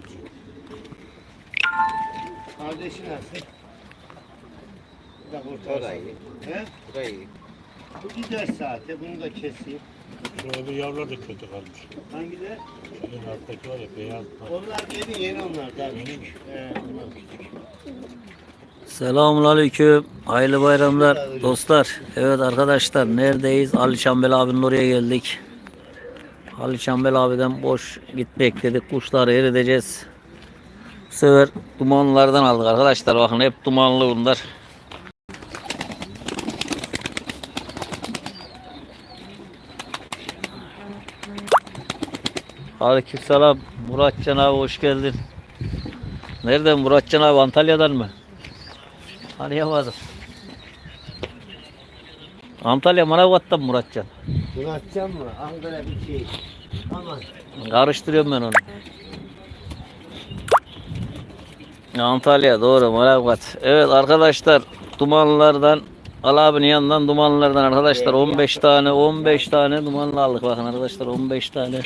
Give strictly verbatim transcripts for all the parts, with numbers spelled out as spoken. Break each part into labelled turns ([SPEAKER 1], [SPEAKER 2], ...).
[SPEAKER 1] Kardeşi nasıl? Bu da
[SPEAKER 2] O
[SPEAKER 1] kurtarsın.
[SPEAKER 2] da iyi.
[SPEAKER 1] He?
[SPEAKER 2] Bu da iyi.
[SPEAKER 1] Bu gider saate. Bunu da keseyim.
[SPEAKER 3] Şu öbür yavrular da kötü kalmış.
[SPEAKER 1] Hangileri?
[SPEAKER 3] Şunun alttaki var ya beyaz.
[SPEAKER 1] Onlar yeni yeni onlar. Daha küçük. Ee, onlar küçük.
[SPEAKER 4] Selamünaleyküm. Hayırlı bayramlar dostlar. Evet arkadaşlar neredeyiz? Ali Çambel abinin oraya geldik. Ali Çambel abiden boş gitmek dedik. Kuşları eriteceğiz. Bu sefer dumanlardan aldık arkadaşlar. Bakın hep dumanlı bunlar. Aleykümselam. Muratcan abi hoş geldin. Nereden Muratcan abi? Antalya'dan mı? Arayamadım. Antalya Manavgat'tan mı Muratcan?
[SPEAKER 1] Bunu atacağım mı? Ankara bir şey. Aman.
[SPEAKER 4] Karıştırıyorum ben onu. Antalya doğru Manavgat. Evet arkadaşlar dumanlardan Ali abinin yanından dumanlardan arkadaşlar on beş tane on beş tane dumanlı aldık bakın arkadaşlar on beş tane.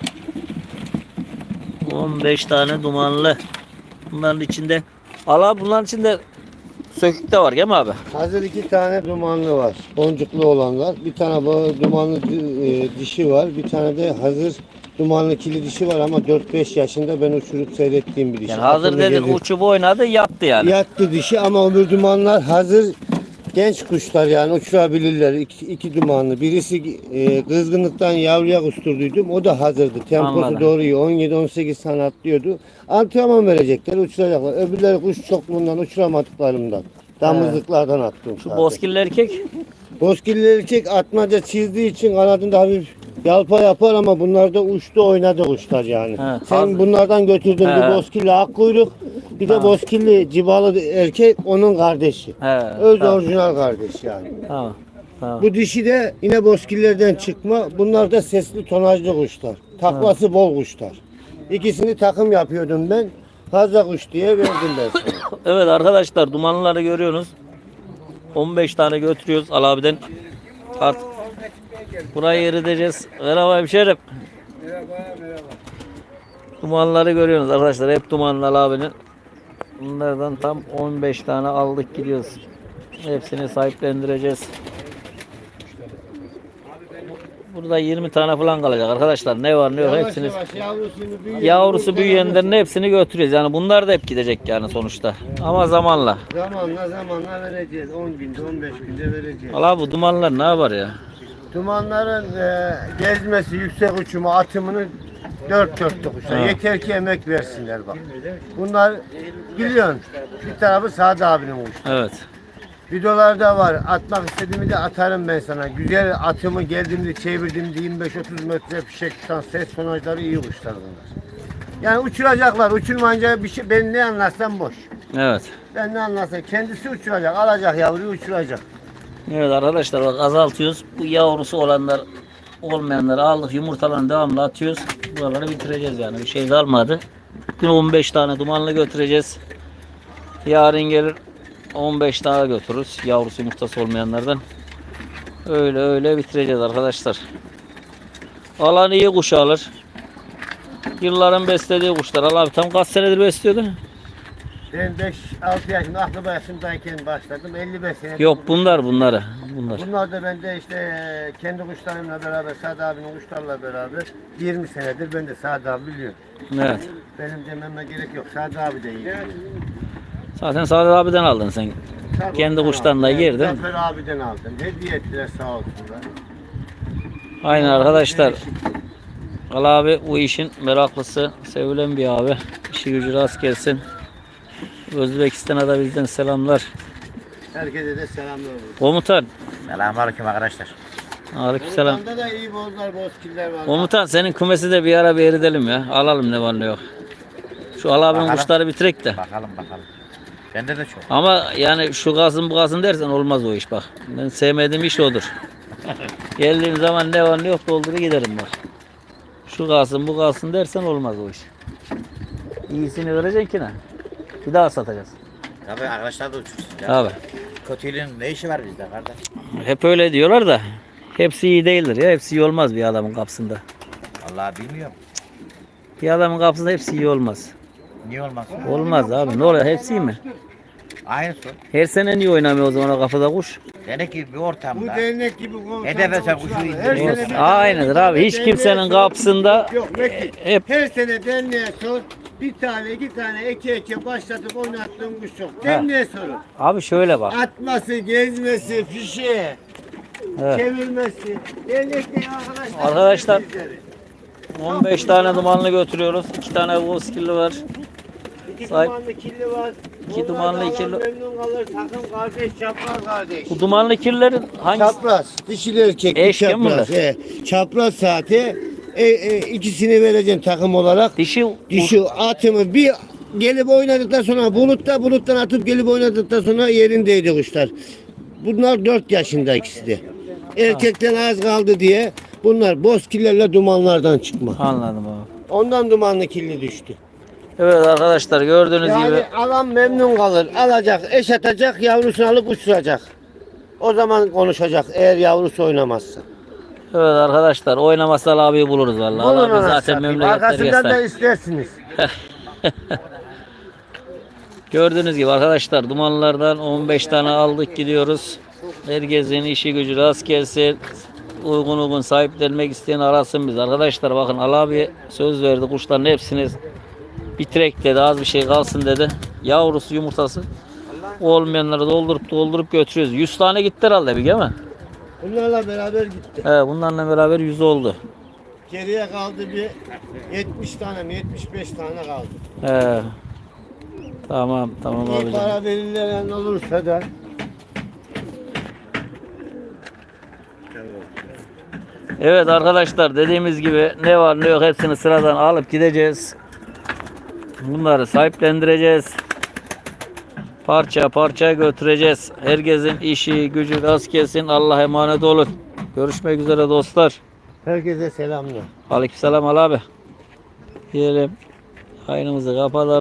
[SPEAKER 4] on beş tane dumanlı. Bunların içinde Ali abi bunların içinde sökük de var değil mi abi?
[SPEAKER 1] Hazır iki tane dumanlı var. Boncuklu olanlar. Bir tane bu dumanlı e, dişi var. Bir tane de hazır dumanlı kili dişi var ama dört beş yaşında ben uçurup seyrettiğim bir dişi.
[SPEAKER 4] Yani hazır
[SPEAKER 1] Akıllı
[SPEAKER 4] dedik
[SPEAKER 1] gelir.
[SPEAKER 4] uçup oynadı yattı yani.
[SPEAKER 1] Yattı dişi ama öbür dumanlar hazır genç kuşlar yani uçurabilirler. İki, iki dumanlı. Birisi e, kızgınlıktan yavruya kusturduydum. O da hazırdı. Temposu
[SPEAKER 4] Anladım.
[SPEAKER 1] doğru iyi. on yedi on sekiz tane atlıyordu. Antrenman verecekler, uçuracaklar. Öbürleri kuş çokluğundan uçuramadıklarımdan. Damızlıklardan attım.
[SPEAKER 4] Şu bozkirli erkek
[SPEAKER 1] Bozkirli erkek atmaca çizdiği için kanadında hafif yalpa yapar ama bunlar da uçtu oynadı kuşlar yani.
[SPEAKER 4] He,
[SPEAKER 1] Sen
[SPEAKER 4] hazır.
[SPEAKER 1] bunlardan götürdün
[SPEAKER 4] He.
[SPEAKER 1] bir bozkirli ak kuyruk, bir de
[SPEAKER 4] Ha.
[SPEAKER 1] bozkirli cibalı erkek onun kardeşi.
[SPEAKER 4] He,
[SPEAKER 1] Öz
[SPEAKER 4] tamam.
[SPEAKER 1] orijinal kardeş yani.
[SPEAKER 4] Tamam. Tamam.
[SPEAKER 1] Bu dişi de yine bozkirlerden çıkma. Bunlar da sesli tonajlı kuşlar. Taklası bol kuşlar. İkisini takım yapıyordum ben. Fazla kuş diye verdim ben sana.
[SPEAKER 4] Evet arkadaşlar dumanları görüyorsunuz. on beş tane götürüyoruz Ali abiden. Artık burayı eriteceğiz. Merhaba hemşerim.
[SPEAKER 1] Merhaba merhaba.
[SPEAKER 4] Dumanları görüyorsunuz arkadaşlar. Hep dumanlı Ali abinin. Bunlardan tam on beş tane aldık gidiyoruz. Hepsini sahiplendireceğiz. Burada yirmi tane falan kalacak arkadaşlar. Ne var ne yok
[SPEAKER 1] Yavaş
[SPEAKER 4] hepsini.
[SPEAKER 1] yavaş yavrusunu büyüyor.
[SPEAKER 4] Yavrusu büyüyenlerin hepsini götürüyoruz. Yani bunlar da hep gidecek yani sonuçta. Ama zamanla.
[SPEAKER 1] Zamanla zamanla vereceğiz. on günde on beş günde vereceğiz.
[SPEAKER 4] Valla bu dumanlar ne yapar ya?
[SPEAKER 1] Dumanların e, gezmesi, yüksek uçumu, atımını dört dörtlük kuşlar.
[SPEAKER 4] Ha.
[SPEAKER 1] Yeter ki emek versinler bak. Bunlar biliyorsun bir tarafı Sadi abinin kuşları.
[SPEAKER 4] Evet.
[SPEAKER 1] Videolarda var. Atmak istediğimi de atarım ben sana. Güzel atımı geldiğimde çevirdiğimde yirmi beş otuz metre fişek tutan ses tonajları iyi kuşlar bunlar. Yani uçuracaklar. Uçurmayınca bir şey ben ne anlarsam boş.
[SPEAKER 4] Evet.
[SPEAKER 1] Ben ne anlarsam kendisi uçuracak. Alacak yavruyu uçuracak.
[SPEAKER 4] Evet arkadaşlar bak azaltıyoruz. Bu yavrusu olanlar olmayanları aldık. Yumurtalarını devamlı atıyoruz. Buraları bitireceğiz yani. Bir şey kalmadı. Bugün on beş tane dumanlı götüreceğiz. Yarın gelir on beş tane götürürüz. Yavrusu yumurtası olmayanlardan. Öyle öyle bitireceğiz arkadaşlar. Alan iyi kuş alır. Yılların beslediği kuşlar. Allah abi tam kaç senedir besliyordu?
[SPEAKER 1] Ben beş altı yaşında aklı yaşımdayken başladım. elli beş sene.
[SPEAKER 4] Yok bunlar bunları. Bunlar.
[SPEAKER 1] Bunlar da ben de işte kendi kuşlarımla beraber, Sadi abinin kuşlarla beraber yirmi senedir ben de Sadi abi biliyorum.
[SPEAKER 4] Evet.
[SPEAKER 1] Benim dememe gerek yok. Sadi abi de iyi.
[SPEAKER 4] Zaten Sadık abiden aldın sen.
[SPEAKER 1] Tabii
[SPEAKER 4] Kendi
[SPEAKER 1] ondan
[SPEAKER 4] kuşlarına
[SPEAKER 1] aldım.
[SPEAKER 4] girdin.
[SPEAKER 1] Zafer abiden aldım. Hediye ettiler sağ olsunlar.
[SPEAKER 4] Aynen arkadaşlar. Ali abi bu işin meraklısı, sevilen bir abi. İşi gücü rast gelsin. Özbekistan'a da bizden selamlar.
[SPEAKER 1] Herkese de selamlar olsun.
[SPEAKER 4] Komutan.
[SPEAKER 2] Selamünaleyküm arkadaşlar.
[SPEAKER 4] Aleykümselam.
[SPEAKER 1] Buradan da iyi bozlar, bozkiller var.
[SPEAKER 4] Komutan senin kümesi de bir ara bir eridelim ya. Alalım ne var ne yok. Şu Ali abinin
[SPEAKER 2] Bakalım.
[SPEAKER 4] kuşları bitirek de.
[SPEAKER 2] Bakalım bakalım. Bende de çok.
[SPEAKER 4] Ama yani şu kalsın bu kalsın dersen olmaz o iş bak. Ben sevmediğim iş odur. Geldiğim zaman ne var ne yok doldurup giderim bak. Şu kalsın bu kalsın dersen olmaz o iş. İyisini vereceksin ki ne? Bir daha satacağız.
[SPEAKER 2] Tabii arkadaşlar da uçursun. Ya.
[SPEAKER 4] Abi.
[SPEAKER 2] Kötülüğün ne işi var bizde kardeş?
[SPEAKER 4] Hep öyle diyorlar da hepsi iyi değildir ya. Hepsi iyi olmaz bir adamın kapısında.
[SPEAKER 2] Vallahi bilmiyorum.
[SPEAKER 4] Bir adamın kapısında hepsi iyi olmaz.
[SPEAKER 2] Niye olmasın?
[SPEAKER 4] Olmaz abi. Ne oluyor? Hepsi mi?
[SPEAKER 2] Aynısı.
[SPEAKER 4] Her sene niye oynamıyor o zaman o kafada kuş?
[SPEAKER 2] Demek ki bir
[SPEAKER 1] Bu
[SPEAKER 2] ortamda.
[SPEAKER 1] dernek gibi komutanlar
[SPEAKER 2] Hedefe sen
[SPEAKER 1] uçlar.
[SPEAKER 2] kuşu
[SPEAKER 1] Her
[SPEAKER 2] indiriyor.
[SPEAKER 1] sene bir
[SPEAKER 4] Aynıdır
[SPEAKER 1] tane
[SPEAKER 4] abi. Hiç
[SPEAKER 1] derneğe
[SPEAKER 4] kimsenin
[SPEAKER 1] sor.
[SPEAKER 4] kapısında
[SPEAKER 1] Yok Metin.
[SPEAKER 4] hep
[SPEAKER 1] Her sene derneğe sor. Bir tane iki tane eke eke başlatıp oynattığım kuş yok. Derneğe sorun.
[SPEAKER 4] abi şöyle bak.
[SPEAKER 1] Atması, gezmesi, fişe,
[SPEAKER 4] Evet.
[SPEAKER 1] çevirmesi. Dernekte arkadaşlar.
[SPEAKER 4] Arkadaşlar,
[SPEAKER 1] bizleri.
[SPEAKER 4] on beş tane dumanlı götürüyoruz. iki tane Wolfskill'li var.
[SPEAKER 1] İki
[SPEAKER 4] Sahip-
[SPEAKER 1] dumanlı kirli var.
[SPEAKER 4] İki
[SPEAKER 1] Onlar
[SPEAKER 4] dumanlı,
[SPEAKER 1] da
[SPEAKER 4] ikili-
[SPEAKER 1] Allah memnun kalır. Takım kardeş, çapraz kardeş.
[SPEAKER 4] Bu dumanlı kirlerin hangisi?
[SPEAKER 1] Çapraz, dişili erkek,
[SPEAKER 4] Eş değil mi
[SPEAKER 1] çapraz.
[SPEAKER 4] bunlar?
[SPEAKER 1] He. Çapraz saati e, e, ikisini vereceğim takım olarak.
[SPEAKER 4] Dişi
[SPEAKER 1] Dişi atımı bir gelip oynadıktan sonra bulutta buluttan atıp gelip oynadıktan sonra yerindeydi kuşlar. Bunlar dört yaşında ikisi de. Erkekten az kaldı diye bunlar bozkillerle dumanlardan çıkma.
[SPEAKER 4] Anladım abi.
[SPEAKER 1] Ondan dumanlı kirli düştü.
[SPEAKER 4] Evet arkadaşlar gördüğünüz
[SPEAKER 1] Yani
[SPEAKER 4] gibi
[SPEAKER 1] alan memnun kalır. Alacak, eş atacak, yavrusunu alıp uçuracak. O zaman konuşacak eğer yavrusu oynamazsa.
[SPEAKER 4] evet arkadaşlar oynamasal abi buluruz vallahi.
[SPEAKER 1] Bulun
[SPEAKER 4] Allah abi
[SPEAKER 1] anasını
[SPEAKER 4] zaten
[SPEAKER 1] satayım.
[SPEAKER 4] memleketleri
[SPEAKER 1] Arkasından da
[SPEAKER 4] göster.
[SPEAKER 1] istersiniz.
[SPEAKER 4] Gördüğünüz gibi arkadaşlar dumanlardan on beş tane aldık gidiyoruz. Herkesin işi gücü rast gelsin. Uygun uygun sahiplenmek isteyen arasın biz. Arkadaşlar bakın Ali abi söz verdi kuşların hepsini bitirek dedi, az bir şey kalsın dedi. Yavrusu yumurtası olmayanları doldurup doldurup götürüyoruz. yüz tane gitti herhalde bir değil mi?
[SPEAKER 1] Bunlarla beraber gitti.
[SPEAKER 4] He, bunlarla beraber yüz oldu.
[SPEAKER 1] Geriye kaldı bir yetmiş tane mi yetmiş beş tane kaldı.
[SPEAKER 4] He. Tamam tamam
[SPEAKER 1] İyi
[SPEAKER 4] abicim.
[SPEAKER 1] para verilen olursa da
[SPEAKER 4] Evet arkadaşlar dediğimiz gibi ne var ne yok hepsini sıradan alıp gideceğiz. Bunları sahiplendireceğiz. Parça parça götüreceğiz. Herkesin işi gücü rast gelsin. Allah'a emanet olun. Görüşmek üzere dostlar.
[SPEAKER 1] herkese selamlar.
[SPEAKER 4] Aleykümselam Ali abi. Diyelim. Yayınımızı kapatalım.